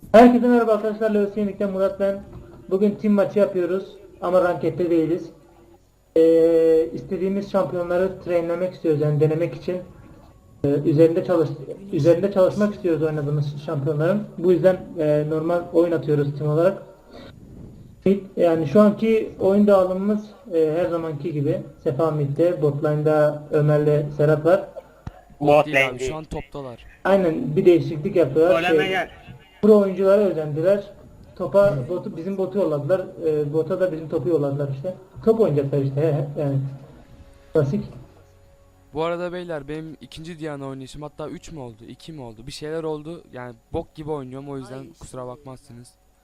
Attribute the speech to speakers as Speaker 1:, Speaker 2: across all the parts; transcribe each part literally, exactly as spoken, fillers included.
Speaker 1: Herkese merhaba arkadaşlar, Lewis Yenilik'ten Murat ben. Bugün team maçı yapıyoruz ama rankette değiliz. Ee, istediğimiz şampiyonları trainlemek istiyoruz, yani denemek için. Ee, üzerinde çalış üzerinde çalışmak istiyoruz oynadığımız şampiyonların. Bu yüzden e, normal oyun atıyoruz team olarak. Yani şu anki oyun dağılımımız e, her zamanki gibi. Sefa midde, botline'da Ömer'le Serhat var.
Speaker 2: Bot
Speaker 3: Değil
Speaker 2: lane
Speaker 3: abi,
Speaker 2: değil.
Speaker 3: şu an toptalar.
Speaker 1: Aynen, bir değişiklik yapıyorlar.
Speaker 2: Goleme
Speaker 1: Şey,
Speaker 2: gel.
Speaker 1: pro oyunculara özendiler. Topa botu, bizim botu yolladılar. E, bota da bizim topu yolladılar işte. Top oynayacaklar işte. He, he, yani klasik.
Speaker 3: Bu arada beyler, benim ikinci Diana oynayışım, hatta üç mü oldu, iki mi oldu, bir şeyler oldu. Yani bok gibi oynuyorum, o yüzden kusura bakmazsınız.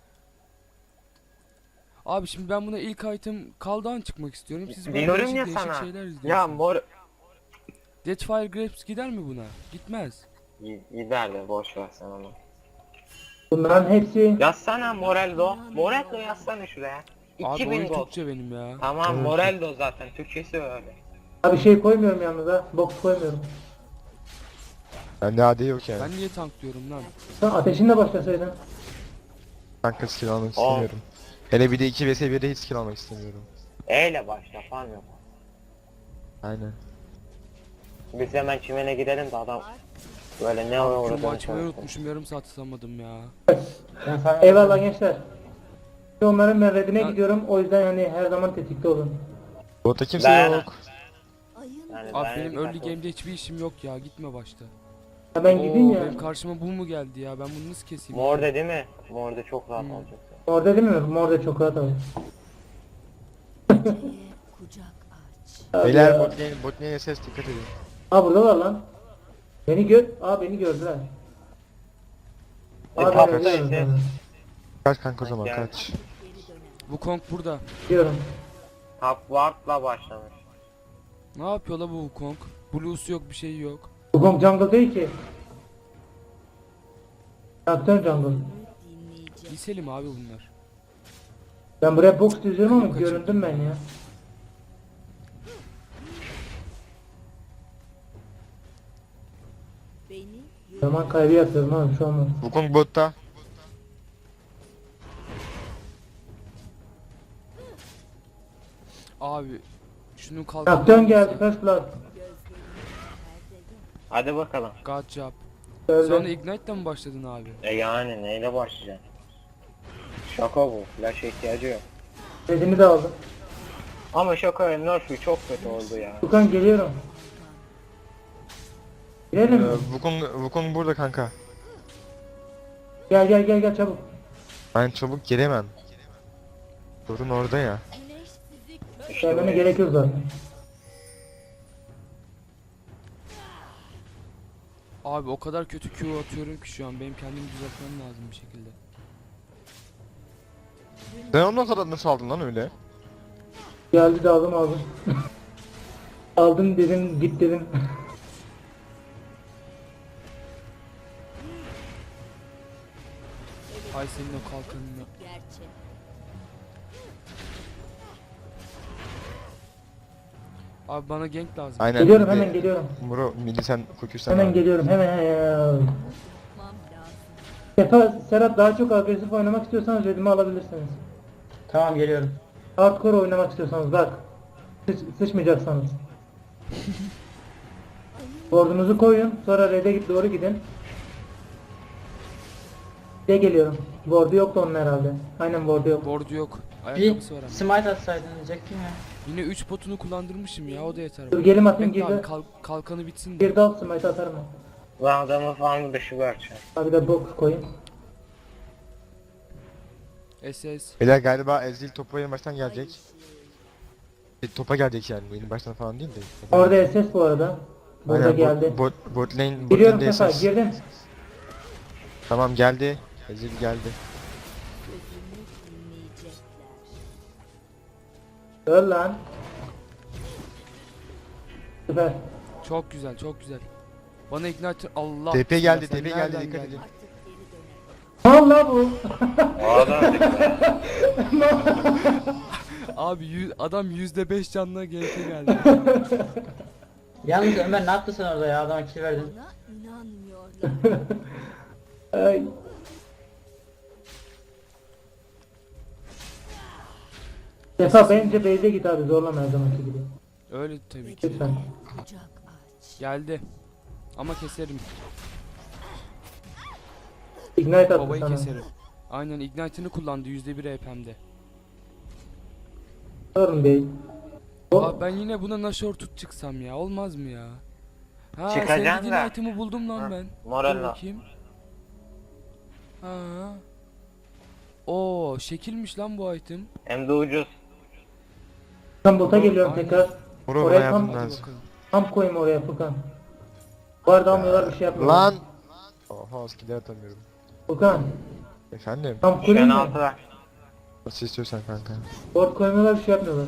Speaker 3: Abi şimdi ben buna ilk item kaldan çıkmak istiyorum. Siz böyle
Speaker 2: Diyorum
Speaker 3: değişik
Speaker 2: ya
Speaker 3: değişik
Speaker 2: sana.
Speaker 3: şeyler
Speaker 2: Ya
Speaker 3: izliyorsunuz.
Speaker 2: mor
Speaker 3: Deathfire Grapes gider mi buna? Gitmez.
Speaker 2: gider de boş ver sen onu.
Speaker 1: Bunların hepsi
Speaker 2: Yazsana Morello. Morello yazsana şuraya.
Speaker 3: Abi
Speaker 2: iki bin
Speaker 3: oyun
Speaker 2: gol.
Speaker 3: Türkçe benim ya.
Speaker 2: Tamam Morello zaten Türkçesi öyle.
Speaker 1: bir şey koymuyorum yanınıza. Box koymuyorum.
Speaker 4: Bende A D yok yani.
Speaker 3: Ben niye tanklıyorum lan?
Speaker 1: Sen ateşinle başlasaydın.
Speaker 4: Kanka skill almak
Speaker 2: Aa.
Speaker 4: istemiyorum. Hele bir de iki vs birde hiç skill almak istemiyorum.
Speaker 2: E ile başla falan yok.
Speaker 4: Aynen.
Speaker 2: Biz hemen çimene gidelim de adam böyle ne
Speaker 3: Şu
Speaker 2: uğradığını
Speaker 3: maçmayı
Speaker 2: konuşsun.
Speaker 3: unutmuşum, yarım saat atamadım ya.
Speaker 1: Eyvallah gençler. Onların ben redine
Speaker 3: Ya-
Speaker 1: gidiyorum. O yüzden yani her zaman tetikte olun.
Speaker 4: Botta kimse
Speaker 2: Dayana.
Speaker 4: yok.
Speaker 2: Yani
Speaker 3: Abi
Speaker 2: ben
Speaker 3: benim
Speaker 2: dikkatli
Speaker 3: early
Speaker 2: ol.
Speaker 3: game'de hiçbir işim yok ya, gitme başta.
Speaker 1: Ya ben gideyim
Speaker 3: Oo,
Speaker 1: ya.
Speaker 3: benim karşıma bu mu geldi ya, ben bunu nasıl keseyim?
Speaker 2: Morde değil mi? Morde çok rahat
Speaker 3: Hmm.
Speaker 2: olacak.
Speaker 1: Orada demiyorum. Orada çok rahat abi.
Speaker 5: Kucak aç.
Speaker 1: Abi
Speaker 4: Beyler
Speaker 1: ya.
Speaker 4: bot lane, bot lane ses dikkat edin.
Speaker 1: Aa burada var lan. Beni gör. Aa beni gördüler.
Speaker 2: E,
Speaker 1: Aa ben
Speaker 2: tapta
Speaker 1: ölüyorum
Speaker 2: işte.
Speaker 1: sana.
Speaker 4: Kaç kanka o zaman
Speaker 2: Gel.
Speaker 4: kaç.
Speaker 3: Bu Kong burada.
Speaker 1: Diyorum.
Speaker 2: Top Ward'la başlamış.
Speaker 3: Ne yapıyor la bu Kong? Blues yok, bir şey yok.
Speaker 1: Bu Gong jungle değil ki. Traktör jungle.
Speaker 3: Liselim abi bunlar.
Speaker 1: Ben buraya box düzüyorum ama
Speaker 3: Kaçın.
Speaker 1: göründüm ben ya.
Speaker 5: Beni
Speaker 1: Zaman kaybı yapıyorum abi şu an.
Speaker 4: Wukong botta.
Speaker 3: Abi şunun kalkanı
Speaker 1: Traktör
Speaker 3: olmasa-
Speaker 1: geldi first blood.
Speaker 2: Hadi bakalım.
Speaker 3: God job.
Speaker 1: Öldü.
Speaker 3: Sonra Ignite'den mi başladın abi?
Speaker 2: E yani neyle başlayacaksın? Şaka bu. Flash'a ihtiyacı yok.
Speaker 1: Redimi de aldım.
Speaker 2: Ama şaka nerf'ü çok kötü oldu ya.
Speaker 1: Furkan geliyorum. Girelim mi?
Speaker 4: Ee, Wukong, Wukong burada kanka.
Speaker 1: Gel gel gel gel çabuk.
Speaker 4: Ben çabuk gelemem. Sorun orada ya.
Speaker 5: güneş sizi
Speaker 2: İşte
Speaker 1: Gelmene
Speaker 2: bu.
Speaker 1: gerek yok zaten.
Speaker 3: Abi o kadar kötü Q atıyorum ki şu an, benim kendimi düzeltmem lazım bir şekilde.
Speaker 4: Sen ondan kadar nasıl aldın lan öyle?
Speaker 1: Geldi de aldım aldım. Aldım dedim git dedim.
Speaker 3: Ay senin o kalkanını.
Speaker 5: gerçek.
Speaker 3: Abi bana gank lazım.
Speaker 4: Aynen.
Speaker 1: Geliyorum
Speaker 4: bir de-
Speaker 1: hemen geliyorum.
Speaker 4: Muro midi sen fokuslan
Speaker 1: Hemen
Speaker 4: abi.
Speaker 1: geliyorum hemen hemen.
Speaker 5: Tutmam lazım.
Speaker 1: Sefa, Serhat daha çok agresif oynamak istiyorsanız redimi alabilirsiniz.
Speaker 6: Tamam geliyorum.
Speaker 1: Hardcore oynamak istiyorsanız bak. Sıç, sıçmayacaksanız. Bordunuzu koyun sonra red'e git doğru gidin. De geliyorum. Bordu yoktu onun herhalde. Aynen bordu yok.
Speaker 3: Board yok.
Speaker 6: Bir
Speaker 3: Ayakkabısı var ama.
Speaker 6: smite atsaydın diyecektim ya.
Speaker 3: Yine üç potunu kullandırmışım ya, o da yeter.
Speaker 1: Dur
Speaker 3: bana.
Speaker 1: gelim atayım
Speaker 3: Bekle abi,
Speaker 1: girdi.
Speaker 3: kal- kalkanı bitsin de.
Speaker 1: Bir dal smite atarım.
Speaker 2: Lan adamı falan dışı vereceğim.
Speaker 1: Abi de box koyayım.
Speaker 3: S S.
Speaker 4: Beyler galiba Ezreal topa yeni baştan gelecek. E, topa gelecek yani yeni baştan falan değil de. Topa
Speaker 1: Orada
Speaker 4: gelecek.
Speaker 1: S S bu arada. Burada
Speaker 4: Aynen,
Speaker 1: geldi.
Speaker 4: Bot, bot, bot lane, bot
Speaker 1: Giriyorum
Speaker 4: lane'de
Speaker 1: Sefa
Speaker 4: S S.
Speaker 1: girdim.
Speaker 4: Tamam geldi. Ezreal geldi.
Speaker 5: Sözümü dinleyecekler.
Speaker 1: Öl lan. Süper.
Speaker 3: Çok güzel, çok güzel. Bana ignite, Allah.
Speaker 4: T P geldi,
Speaker 3: Sen
Speaker 4: T P geldi,
Speaker 3: nereden
Speaker 4: dikkat
Speaker 3: geldin?
Speaker 4: edin.
Speaker 5: Artık geri dönemem.
Speaker 1: Allah bu.
Speaker 2: O adam dikkat.
Speaker 3: Abi yüz, adam yüzde beş canına G P geldi.
Speaker 6: Yalnız Ömer ne yaptın sen orada ya? Adama kill verdin.
Speaker 5: Buna inanmıyorlar.
Speaker 1: Ay. Sefa bence base'e git abi, zorlama her zamanki gibi.
Speaker 3: Öyle tabii ki.
Speaker 1: Lütfen.
Speaker 5: Kucak aç.
Speaker 3: Geldi. Ama keserim.
Speaker 1: Ignite attı
Speaker 3: Babayı
Speaker 1: sana.
Speaker 3: keserim. Aynen Ignite'ını kullandı yüzde bir H P'mde.
Speaker 1: Sorun değil. O,
Speaker 3: Abi ben yine buna Nashor tut çıksam ya. Olmaz mı ya? Ha
Speaker 2: Çıkacaksın
Speaker 3: sevdiğin
Speaker 2: da.
Speaker 3: item'ı buldum lan
Speaker 2: Ha,
Speaker 3: ben. Dur
Speaker 2: Morella.
Speaker 3: bakayım. Ha. Oo şekilmiş lan bu item.
Speaker 2: Hem de ucuz.
Speaker 1: ben bota geliyorum
Speaker 3: Aynen.
Speaker 1: tekrar.
Speaker 4: Bro bana
Speaker 1: Oraya
Speaker 4: yardım
Speaker 1: tam,
Speaker 3: Hadi
Speaker 4: lazım.
Speaker 3: bakalım.
Speaker 1: tam koyayım oraya Furkan. Bu arada almıyorlar, bir şey yapmıyorlar.
Speaker 4: Lan! Oha skill atamıyorum.
Speaker 1: Furkan
Speaker 4: Efendim?
Speaker 1: tam
Speaker 2: Şu
Speaker 1: koyayım
Speaker 2: an
Speaker 1: mı?
Speaker 2: altı var.
Speaker 4: Nasıl istiyorsan kanka.
Speaker 1: Board koymuyorlar, bir şey yapmıyorlar.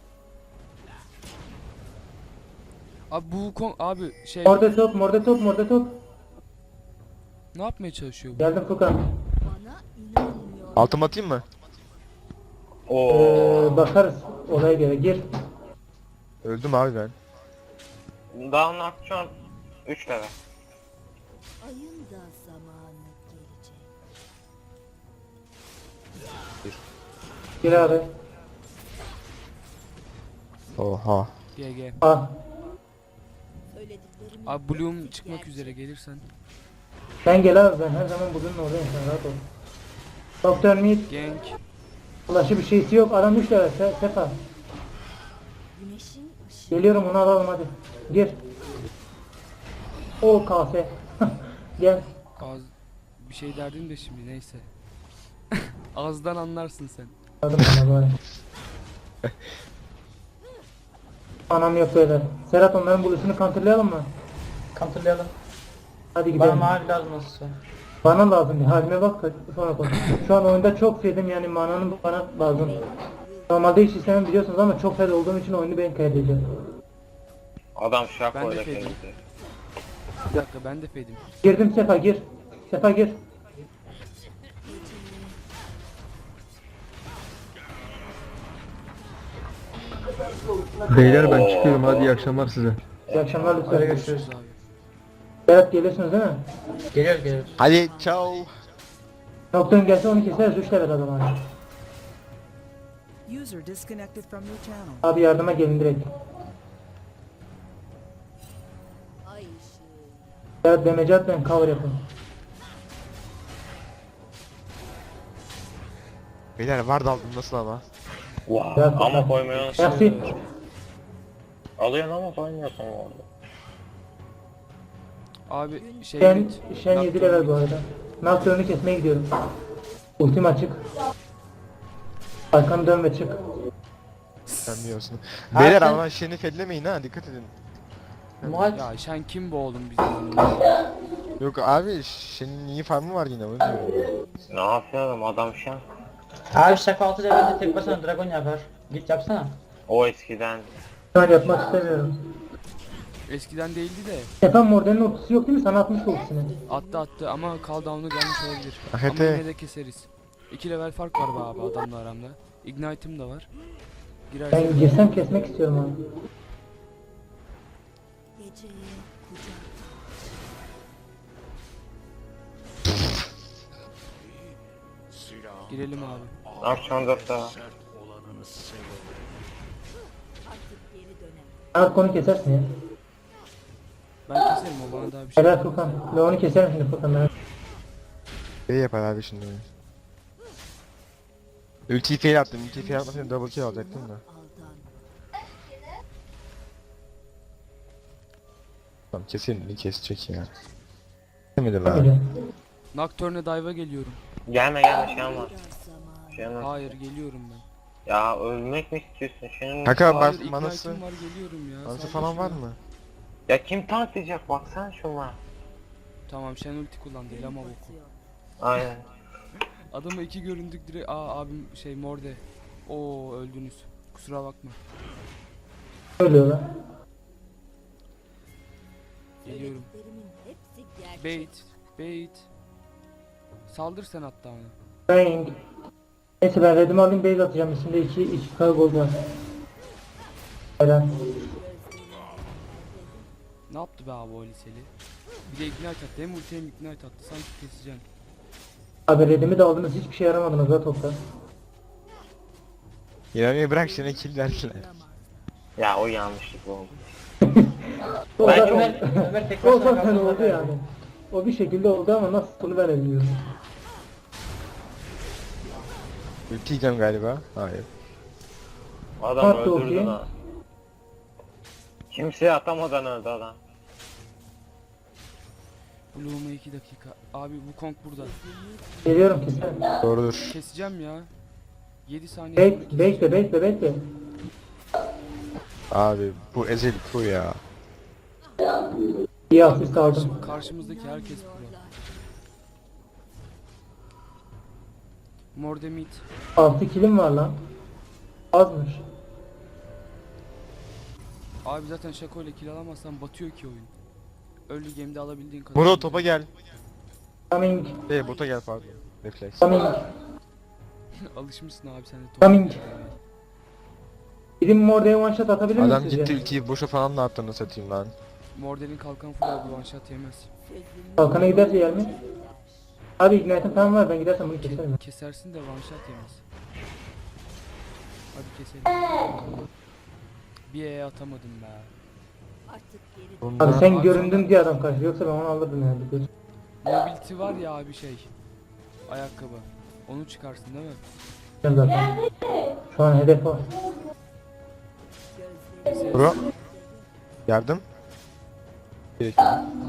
Speaker 3: Abi bu kon abi şey
Speaker 1: Morde top, morde top, morde top.
Speaker 3: ne yapmaya çalışıyor bu?
Speaker 1: Geldim Furkan.
Speaker 5: Bana inanmıyor.
Speaker 4: Altım atayım mı?
Speaker 2: Oo.
Speaker 1: Ee, bakarız olaya göre. Gir.
Speaker 4: Öldüm abi ben.
Speaker 2: Daha onun şu an üç level.
Speaker 5: Ayın da zamanı gelecek.
Speaker 1: Gir abi.
Speaker 4: Oha.
Speaker 3: G G.
Speaker 1: Ah.
Speaker 5: Söylediklerimi
Speaker 3: Abi Bloom çıkmak üzere gelirsen.
Speaker 1: Sen gel abi, ben her zaman bunun oradayım, sen rahat ol. Doktor Mid.
Speaker 3: Gank.
Speaker 1: Ulaşı bir şeysi yok. Adam üç level. Se Sefa.
Speaker 5: güneşin ışığı
Speaker 1: Geliyorum, onu alalım hadi. Gir. O kase. Gel.
Speaker 3: Az bir şey derdin de şimdi neyse. Ağızdan anlarsın sen.
Speaker 1: Aldım bana bari. Anam yok böyle. Serhat, onların buluşunu kontrollayalım mı?
Speaker 6: Kontrollayalım.
Speaker 1: Hadi
Speaker 6: Bana
Speaker 1: gidelim.
Speaker 6: mavi lazım nasılsa.
Speaker 1: Bana lazım bir halime bak da sonra konuş. Şu an oyunda çok fedim, yani mananın bana lazım. Normalde hiç istemem biliyorsunuz ama çok fed olduğum için oyunu ben kaydedeceğim.
Speaker 2: Adam
Speaker 3: Ben
Speaker 2: şako
Speaker 3: de
Speaker 2: ile
Speaker 3: fedim.
Speaker 2: kezdi.
Speaker 3: Bir dakika ben de fedim.
Speaker 1: Girdim Sefa, gir. Sefa gir.
Speaker 7: Beyler ben çıkıyorum, hadi iyi akşamlar size.
Speaker 1: İyi akşamlar
Speaker 6: Hadi
Speaker 1: lütfen.
Speaker 6: görüşürüz.
Speaker 3: Abi.
Speaker 1: Serhat geliyorsunuz değil mi?
Speaker 6: Geliyoruz geliyoruz.
Speaker 4: Hadi ciao.
Speaker 1: Noktan gelse onu keseriz, üç level adam abi.
Speaker 8: User disconnected from your channel.
Speaker 1: Abi yardıma gelin direkt.
Speaker 5: ay ışığı.
Speaker 1: Serhat demeci atmayın, cover yapın.
Speaker 4: Beyler var da aldım nasıl ama?
Speaker 2: Wow.
Speaker 1: Biraz
Speaker 2: Ama
Speaker 1: daha.
Speaker 2: koymuyor.
Speaker 1: Merci.
Speaker 2: Alıyorsun ama koymuyorsun orada.
Speaker 3: Abi şey
Speaker 1: Şen,
Speaker 3: mid,
Speaker 1: Şen yedi level bu arada. Nocturne'u kesmeye gidiyorum. Ultim açık. Arkanı dön ve çık.
Speaker 4: Sen biliyorsun.
Speaker 6: Abi
Speaker 4: Beyler
Speaker 6: sen-
Speaker 4: ama şeni fedlemeyin ha, dikkat edin.
Speaker 6: Muhat.
Speaker 3: Ya Şen kim bu oğlum bizim?
Speaker 4: Yok abi şenin iyi farmı var yine onu diyorum.
Speaker 2: Ne yapıyorum adam şu an?
Speaker 6: Abi şaka altı levelde tek başına dragon yapar. Git yapsana.
Speaker 2: O eskiden.
Speaker 1: Şu an yapmak istemiyorum.
Speaker 3: Eskiden değildi de
Speaker 1: Sefa Morden'in ultisi yok değil mi? Sana atmış ultisini.
Speaker 3: attı attı ama cooldown'u gelmiş olabilir.
Speaker 4: Ahete.
Speaker 3: Ama yine de keseriz. İki level fark var be abi adamla aramda. Ignite'ım da var. Girersen
Speaker 1: Ben girsem kesmek istiyorum abi.
Speaker 5: Geceye kucak
Speaker 3: girelim abi.
Speaker 2: Akşam dörtte var.
Speaker 5: artık geri dönemem.
Speaker 1: Artık onu kesersin ya.
Speaker 3: Ben keserim o bana daha bir şey.
Speaker 1: Helal Furkan. Ve onu keserim şimdi Furkan. Ben.
Speaker 4: Şey yapar abi şimdi. Ultiyi fail attım. Ultiyi fail atmasaydım double kill alacaktım da.
Speaker 5: Aldan.
Speaker 4: Tamam kesin kesecek ya. Kesemedi lan.
Speaker 1: Öyle.
Speaker 3: Nocturne'e dive'a geliyorum.
Speaker 2: Gelme gelme şey ama.
Speaker 5: Dar zamanı.
Speaker 2: Şey ama.
Speaker 3: Hayır geliyorum ben.
Speaker 2: Ya ölmek mi istiyorsun? Senin...
Speaker 4: Kanka bas
Speaker 3: Hayır
Speaker 4: manası.
Speaker 3: Ignite'ım var geliyorum ya.
Speaker 4: Manası
Speaker 3: Saldır
Speaker 4: falan var
Speaker 3: şunu.
Speaker 4: mı?
Speaker 2: Ya kim tanklayacak baksana şuna.
Speaker 3: Tamam Şen ulti kullandı el ama boku.
Speaker 2: Aynen.
Speaker 3: Adama iki göründük direkt. Aa abim şey morde. Oo öldünüz. Kusura bakma.
Speaker 1: Ölüyorlar.
Speaker 3: Geliyorum.
Speaker 5: Söylediklerimin hepsi gerçek.
Speaker 3: Bait. Bait. Saldır sen hatta ona.
Speaker 1: Praying. Neyse ben redimi alayım, base atacağım. Üstünde iki, iki K gold var. Helal.
Speaker 3: Ne yaptı be abi o liseli? Bir de ignite attı. Hem ulti hem ignite attı. Sanki keseceğim.
Speaker 1: Abi redimi de aldınız, hiçbir şey yaramadınız da topta.
Speaker 4: İnanmayı bırak seni kill verdiler.
Speaker 5: Olamaz.
Speaker 2: Ya o yanlışlık oldu.
Speaker 1: O
Speaker 2: Ben
Speaker 1: zaten,
Speaker 6: Ömer, Ömer tek
Speaker 1: o
Speaker 6: başına
Speaker 1: zaten
Speaker 6: kaldı
Speaker 1: oldu
Speaker 6: zaten.
Speaker 1: yani. O bir şekilde oldu ama nasıl bunu ben de bilmiyorum.
Speaker 4: Ulti yiyeceğim galiba. Hayır.
Speaker 2: Adam
Speaker 1: Attı
Speaker 2: öldürdü
Speaker 1: okey.
Speaker 2: lan. Kimseye atamadan öldü adam.
Speaker 3: Bloom'a iki dakika. Abi bu Kong burada.
Speaker 1: Geliyorum ki sen.
Speaker 4: Doğrudur.
Speaker 3: Keseceğim ya. yedi saniye sonra
Speaker 1: Bek,
Speaker 3: keseceğim.
Speaker 1: bekle bekle bekle.
Speaker 4: Abi bu Ezel Pro ya.
Speaker 1: İyi
Speaker 3: Abi
Speaker 1: asist aldım.
Speaker 3: karşı- karşımızdaki herkes pro. Mordemit.
Speaker 1: altı kilim var lan. Azmış.
Speaker 3: Abi zaten Şako ile kill alamazsan batıyor ki oyun. Early game'de alabildiğin kadar.
Speaker 4: Muro topa gel.
Speaker 1: Coming.
Speaker 4: Ee bota gel pardon. Refleks.
Speaker 1: Coming.
Speaker 3: Alışmışsın abi sen de topa.
Speaker 1: Coming. Gidin Morde'ye one shot atabilir miyim
Speaker 4: Adam
Speaker 1: sizce?
Speaker 4: gitti ultiyi boşa falan da attığını satayım lan.
Speaker 3: Morden'in kalkan full abi one shot yemez.
Speaker 1: Kalkana giderse yer mi? Abi ignite'im falan var, ben gidersem bunu keserim.
Speaker 3: Kesersin de one shot yemez. Hadi keselim. Bir E atamadım be.
Speaker 5: Artık geri
Speaker 4: Bunda
Speaker 1: Abi sen
Speaker 3: Abi
Speaker 1: göründün
Speaker 3: sana-
Speaker 1: diye adam kaçtı, yoksa ben onu alırdım yani. Dur.
Speaker 3: Mobility var ya abi şey. Ayakkabı. Onu çıkarsın değil mi?
Speaker 1: Ben zaten. Şu an hedef o.
Speaker 5: gözleri
Speaker 4: Muro. Yardım. Gerekiyor.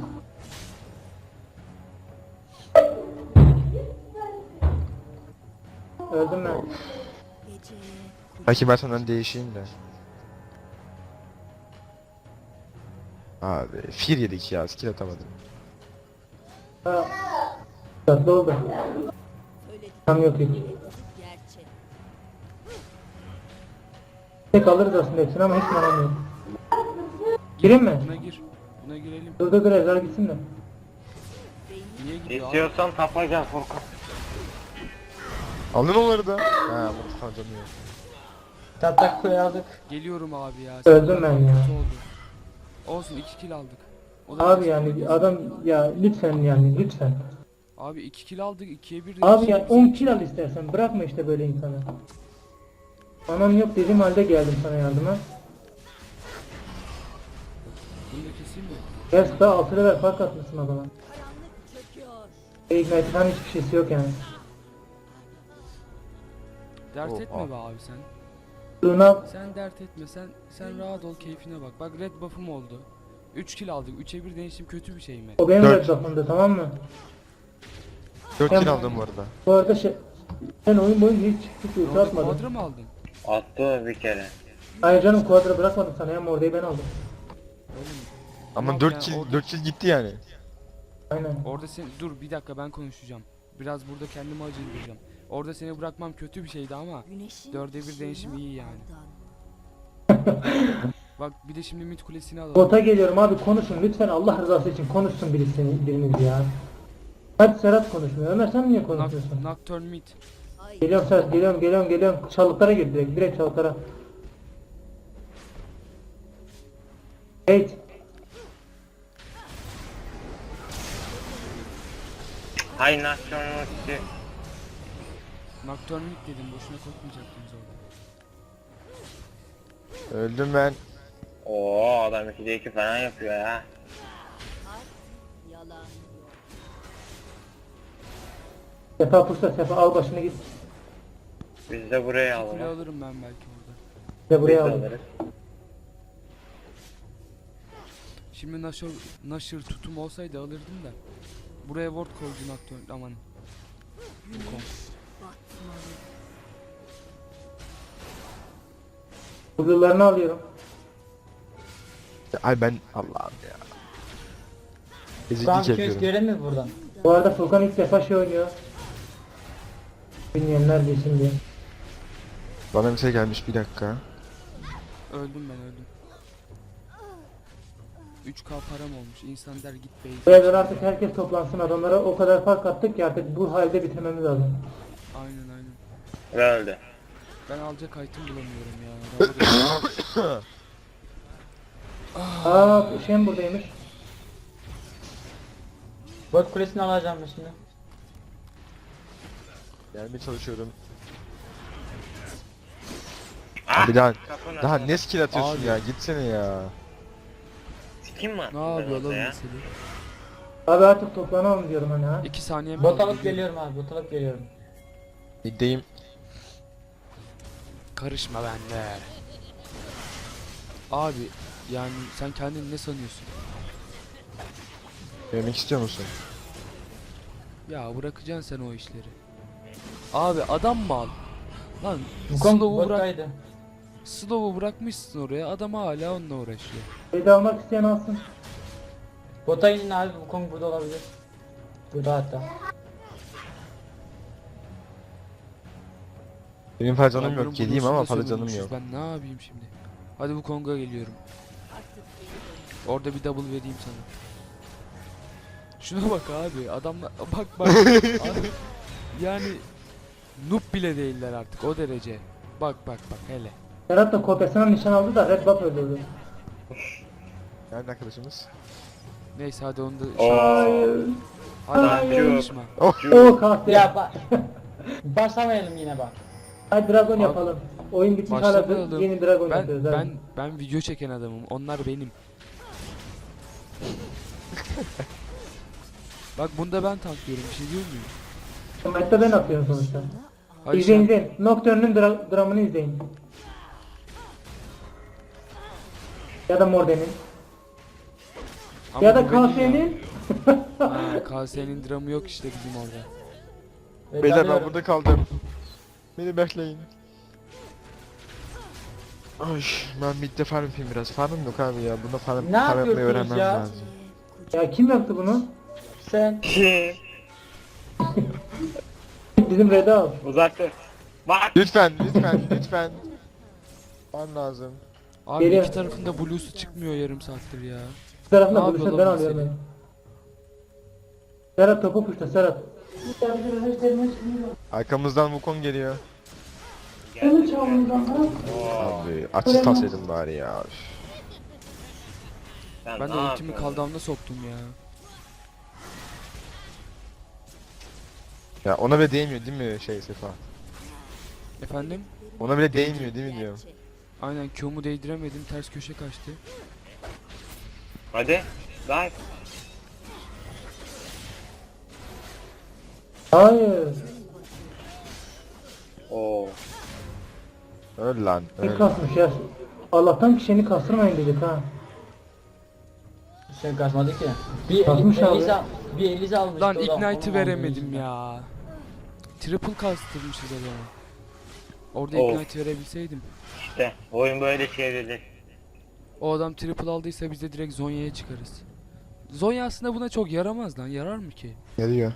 Speaker 1: Öldüm ben.
Speaker 5: geceye
Speaker 4: Belki ben senden değişeyim de. Abi fir yedik ya skill atamadım.
Speaker 1: Ha. Tatlı oldu.
Speaker 5: söyledik.
Speaker 1: Tam yok hiç.
Speaker 5: Hepsi gerçek.
Speaker 1: Tek alırız aslında hepsini ama hiç manam yok. Gireyim mi?
Speaker 3: Buna gir. Buna girelim.
Speaker 1: Dur dur dur Ezra gitsin de.
Speaker 3: Niye gidiyor abi?
Speaker 2: İstiyorsan tapa gel Furkan.
Speaker 4: Aldın onları da. Ha bu tutan canı yok.
Speaker 6: Tatlak koyu aldık.
Speaker 3: Geliyorum abi ya.
Speaker 1: Öldüm ben ya.
Speaker 3: Kötü oldu. Olsun iki kill aldık. O da
Speaker 1: Abi
Speaker 3: neyse.
Speaker 1: yani adam ya lütfen yani lütfen.
Speaker 3: Abi iki kill aldık. ikiye bir
Speaker 1: Abi ya on kill al istersen, bırakma işte böyle insanı. Anam yok dediğim halde geldim sana yardıma.
Speaker 3: Bunu da keseyim mi?
Speaker 1: Gel daha altı level fark atmışsın adama.
Speaker 5: Karanlık çöküyor.
Speaker 1: Ignite falan hiçbir şeysi yok yani.
Speaker 3: Dert
Speaker 4: Oh,
Speaker 3: etme
Speaker 4: ah.
Speaker 3: be abi sen.
Speaker 1: Luna
Speaker 3: Sen dert etme. Sen sen rahat ol, keyfine bak. Bak red buff'um oldu. üç kill aldık. üçe bir değişim kötü bir şey mi?
Speaker 1: o benim
Speaker 4: Dört.
Speaker 1: red buff'ımdı, tamam mı?
Speaker 4: dört
Speaker 1: Tamam.
Speaker 4: kill aldım bu arada.
Speaker 1: Bu arada şey sen oyun boyunca hiç hiç
Speaker 3: Ne
Speaker 1: ulti
Speaker 3: oldu?
Speaker 1: atmadın.
Speaker 3: Quadra mı aldın?
Speaker 2: Attı bir kere.
Speaker 1: Hayır canım, quadra bırakmadım sana ya, Morde'yi ben aldım.
Speaker 3: Oğlum.
Speaker 4: Ama
Speaker 3: Yok
Speaker 4: dört
Speaker 3: ya,
Speaker 4: kill
Speaker 3: orada-
Speaker 4: dört kill gitti yani.
Speaker 1: Aynen.
Speaker 3: Orada sen dur bir dakika ben konuşacağım. Biraz burada kendimi acındıracağım. Orada seni bırakmam kötü bir şeydi ama
Speaker 5: Güneşin
Speaker 3: dörde bir
Speaker 5: ışığına
Speaker 3: değişim iyi yani.
Speaker 5: aldan.
Speaker 3: Bak bir de şimdi mid kulesini alalım.
Speaker 1: Bota geliyorum abi, konuşun lütfen, Allah rızası için konuşsun birisi, biriniz ya. Hadi Serhat konuşmuyor. Ömer sen niye
Speaker 3: Noc-
Speaker 1: konuşmuyorsun?
Speaker 3: Nocturne mid.
Speaker 5: Ay,
Speaker 1: Geliyorum Serhat, geliyorum geliyorum geliyorum. Çalıklara gir direkt, direkt çalıklara. Hey.
Speaker 2: Hay nasyonun ultisi.
Speaker 3: Nocturne mid dedim boşuna korkmayacaktınız orada.
Speaker 4: Öldüm ben.
Speaker 2: Oo adam ikide iki falan yapıyor ya.
Speaker 5: Artık yalan yok.
Speaker 1: Sefa puşta, Sefa al başını git.
Speaker 2: Biz de buraya
Speaker 3: Kule
Speaker 2: alalım.
Speaker 3: alırım ben belki orada.
Speaker 1: Ve
Speaker 2: Biz
Speaker 1: buraya
Speaker 2: de
Speaker 1: al.
Speaker 2: alırız.
Speaker 3: Şimdi Nashor, Nashor tutum olsaydı alırdım da. Buraya ward koydu Nocturne aman.
Speaker 5: Güneş batmalı.
Speaker 1: Huzurlarını alıyorum.
Speaker 4: Ay ben Allah'ım ya.
Speaker 6: Şu an
Speaker 4: Eziklik
Speaker 6: ikimiz
Speaker 4: yapıyorum.
Speaker 6: görelim mi buradan?
Speaker 1: Bu arada Furkan ilk defa şey oynuyor. Bilmeyenler bilsin diye.
Speaker 4: Bana bir şey gelmiş bir dakika.
Speaker 3: Öldüm ben öldüm. üç K param olmuş. İnsan der git bey.
Speaker 1: Bu evden artık herkes toplansın, adamlara o kadar fark attık ki artık bu halde bitirmemiz lazım.
Speaker 3: Aynen aynen.
Speaker 2: Ve öldü.
Speaker 3: Ben alacak item bulamıyorum ya. Arabada-
Speaker 1: Aa şey mi buradaymış?
Speaker 6: Bot kulesini alacağım ben şimdi.
Speaker 4: Gelmeye çalışıyorum. Abi daha
Speaker 2: Kapının
Speaker 4: daha
Speaker 2: arkasında.
Speaker 4: ne skill atıyorsun
Speaker 3: Abi.
Speaker 4: ya? Gitsene ya.
Speaker 2: Sikim mi attın
Speaker 3: Ne
Speaker 2: ben
Speaker 3: yapıyor
Speaker 2: orada
Speaker 3: lan
Speaker 2: ya?
Speaker 3: mesele?
Speaker 1: Abi artık toplanalım diyorum hani ha.
Speaker 3: İki saniyem
Speaker 6: Bot
Speaker 3: kaldı,
Speaker 6: alıp
Speaker 3: geliyorum.
Speaker 6: geliyorum abi, bot alıp geliyorum.
Speaker 4: Middeyim.
Speaker 3: Karışma bende. Abi yani sen kendini ne sanıyorsun?
Speaker 4: Yemek istiyor musun?
Speaker 3: Ya bırakacaksın sen o işleri. Abi adam mı al? Lan
Speaker 6: Wukong
Speaker 3: Slow'u bırak.
Speaker 6: bottaydı.
Speaker 3: Slow'u bırakmışsın oraya. Adam hala onunla uğraşıyor.
Speaker 1: Beyde almak isteyen alsın.
Speaker 6: Bota inin abi, Wukong burada olabilir. Burada hatta.
Speaker 4: Benim fazla canım
Speaker 3: Adamların
Speaker 4: yok. Geleyim
Speaker 3: blues'unu
Speaker 4: ama
Speaker 3: da
Speaker 4: fazla canım
Speaker 3: sömürmüşüz.
Speaker 4: yok.
Speaker 3: Ben ne yapayım şimdi? Hadi bu Kong'a geliyorum.
Speaker 5: Artık geri dön.
Speaker 3: Orada bir double vereyim sana. Şuna bak abi. Adamlar bak bak. Abi, yani noob bile değiller artık o derece. Bak bak bak hele.
Speaker 1: Serhat da kopyasına nişan aldı da Red Buff öldürdü.
Speaker 4: Nerede arkadaşımız?
Speaker 3: Neyse hadi onu da
Speaker 2: Oo.
Speaker 1: Hayır.
Speaker 3: hadi
Speaker 1: hayır.
Speaker 3: konuşma.
Speaker 1: O kahve.
Speaker 6: Ya bak. Başlamayalım yine bak.
Speaker 1: Hadi Dragon
Speaker 3: Abi,
Speaker 1: yapalım. Oyun bitmiş hala
Speaker 3: başlamayalım.
Speaker 1: yeni Dragon
Speaker 3: Ben
Speaker 1: yapıyoruz abi.
Speaker 3: ben ben video çeken adamım. Onlar benim. Bak bunda ben tanklıyorum. Bir şey diyor muyum?
Speaker 1: Hatta ben atıyorum sonuçta.
Speaker 3: Hadi
Speaker 1: izleyin
Speaker 3: sen-
Speaker 1: izleyin. Nocturne'ün dra dramını izleyin. Ya da Morden'in.
Speaker 3: Ama
Speaker 1: Ya da
Speaker 3: bu benim
Speaker 1: K S'nin.
Speaker 3: Ha, K S'nin dramı yok işte bizim orada.
Speaker 6: Ve
Speaker 4: Beyler ben
Speaker 6: dalıyorum.
Speaker 4: burada kaldım. Beni bekleyin. Ay ben midde farm yapayım biraz. Farmım yok abi ya. Bunda farm,
Speaker 6: Ne
Speaker 4: farm yapmayı
Speaker 6: yapıyorsunuz
Speaker 4: öğrenmem
Speaker 6: ya?
Speaker 4: lazım.
Speaker 1: Ya kim yaptı bunu?
Speaker 6: Sen.
Speaker 1: Bizim Red'i al.
Speaker 2: Uzak dur. Bak.
Speaker 4: Lütfen lütfen lütfen. Farm lazım.
Speaker 3: Abi
Speaker 1: Geliyor.
Speaker 3: iki tarafında blue'su çıkmıyor yarım saattir ya.
Speaker 1: Bu tarafında
Speaker 3: Ne
Speaker 1: buluşun
Speaker 3: yapıyor
Speaker 1: ben
Speaker 3: lan bu
Speaker 1: alıyorum
Speaker 3: seni?
Speaker 1: ben. Serhat topu puşta Serhat.
Speaker 4: Arkamızdan Wukong geliyor.
Speaker 2: Oo.
Speaker 4: Abi açı tasaydım bari ya. Üf.
Speaker 2: Sen
Speaker 3: Ben de
Speaker 2: ne
Speaker 3: ultimi
Speaker 2: yapıyorsun?
Speaker 3: kaldağımda soktum ya.
Speaker 4: Ya ona bile değmiyor değil mi şey Sefa?
Speaker 3: Efendim?
Speaker 4: Ona bile değmiyor değil mi diyorum.
Speaker 5: Gerçek.
Speaker 3: Aynen Q'mu değdiremedim. Ters köşe kaçtı.
Speaker 2: Hadi. Dive.
Speaker 1: Hayır.
Speaker 2: Oo.
Speaker 4: Öl lan
Speaker 1: Ne
Speaker 4: öl.
Speaker 1: kasmış ya. Allah'tan kişini kastırmayın dedik ha.
Speaker 6: Şey kaçmadı ki. Bir
Speaker 1: Kasmış abi.
Speaker 6: Elisa, bir Elisa almıştı.
Speaker 3: Lan
Speaker 6: o da
Speaker 3: Ignite'ı
Speaker 6: onun
Speaker 3: veremedim
Speaker 6: aldığı
Speaker 3: ya. Triple kastırmışız adamı. Orada
Speaker 2: Of.
Speaker 3: Ignite verebilseydim.
Speaker 2: İşte oyun böyle çevrilir.
Speaker 3: O adam triple aldıysa biz de direkt Zonya'ya çıkarız. Zonya aslında buna çok yaramaz lan. Yarar mı ki?
Speaker 4: Geliyor.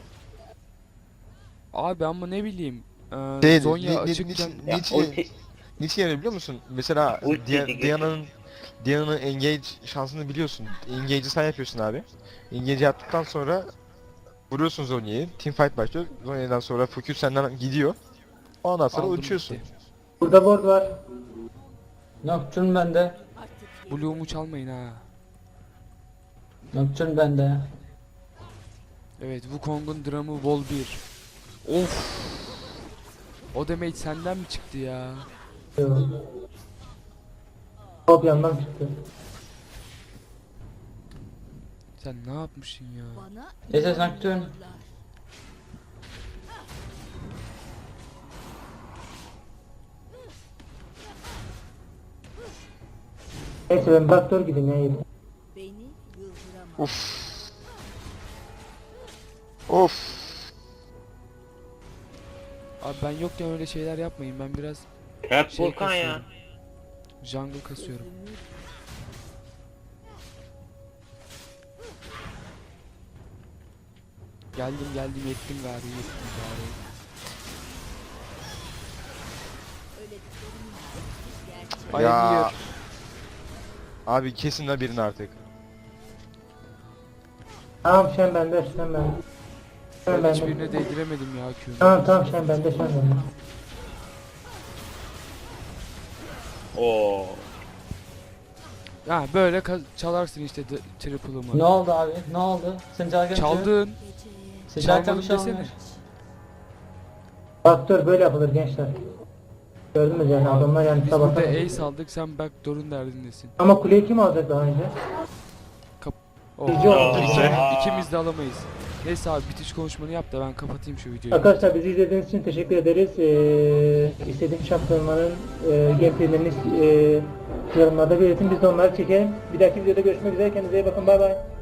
Speaker 3: Abi ama ne bileyim. Ee,
Speaker 4: Şey,
Speaker 3: Zonya
Speaker 4: ni- ni-
Speaker 3: açıkken...
Speaker 4: niçin-
Speaker 2: Ya
Speaker 4: niçin-
Speaker 2: ulti.
Speaker 4: Niçin yani biliyor musun? Mesela
Speaker 2: Ulti
Speaker 4: Dia-
Speaker 2: geçti.
Speaker 4: Diana'nın Diana'nın engage şansını biliyorsun. Engage'i sen yapıyorsun abi. Engage yaptıktan sonra vuruyorsun Zonya'yı. Teamfight başlıyor. Zonya'dan sonra Focus senden gidiyor. Ondan sonra
Speaker 3: Aldım
Speaker 4: uçuyorsun.
Speaker 3: gitti.
Speaker 1: Burada board var.
Speaker 6: Nocturne bende.
Speaker 5: Artık
Speaker 3: Blue'umu çalmayın ha.
Speaker 6: Nocturne bende.
Speaker 3: Evet Wukong'un dramı Vol bir. Of. O damage senden mi çıktı ya?
Speaker 1: Hop yandan çıktı.
Speaker 3: Sen ne yapmışsın ya?
Speaker 5: bana
Speaker 6: Esas Nocturne.
Speaker 5: inanmıyorlar.
Speaker 1: Neyse ben backdoor gideyim ya. yeter.
Speaker 5: Beni yıldıramaz.
Speaker 4: Of. Of.
Speaker 3: Abi ben yokken öyle şeyler yapmayın. Ben biraz
Speaker 2: Hep
Speaker 3: şey
Speaker 2: Volkan ya.
Speaker 3: kasıyorum. Jungle kasıyorum.
Speaker 5: Ömür
Speaker 3: Geldim geldim yettim gari yettim gari.
Speaker 5: öğrettiklerim gerçek.
Speaker 3: Ay
Speaker 4: Ya.
Speaker 3: Emir.
Speaker 4: Abi kesin de birini artık.
Speaker 1: Tamam şen bende şen bende. Şen
Speaker 3: Ben
Speaker 1: bende.
Speaker 3: hiçbirine değdiremedim ya Q'mu.
Speaker 1: Tamam tamam şen bende şen bende.
Speaker 2: Oo.
Speaker 3: Ya böyle ka- çalarsın işte d- triple'ımı.
Speaker 6: Ne oldu abi? Ne oldu? Sen çalarken
Speaker 3: Çaldın.
Speaker 6: Sen çalarken
Speaker 3: Çalmadım
Speaker 6: bir şey
Speaker 3: desene.
Speaker 6: olmuyor.
Speaker 1: Backdoor böyle yapılır gençler. Gördünüz yani adamlar yani
Speaker 3: Biz burada
Speaker 1: sabahtan.
Speaker 3: ace aldık, sen backdoor'un derdindesin.
Speaker 1: Ama kuleyi kim alacak daha önce?
Speaker 3: Oh.
Speaker 1: Bizi oldu.
Speaker 3: İki- İkimiz de alamayız. Neyse abi, bitiş konuşmanı yap da ben kapatayım şu videoyu.
Speaker 1: Arkadaşlar bizi izlediğiniz için teşekkür ederiz. Ee, istediğim şampiyonların e, gameplaylerini e, yorumlarda belirtin. Biz de onları çekelim. Bir dahaki videoda görüşmek üzere. Kendinize iyi bakın. Bay bay.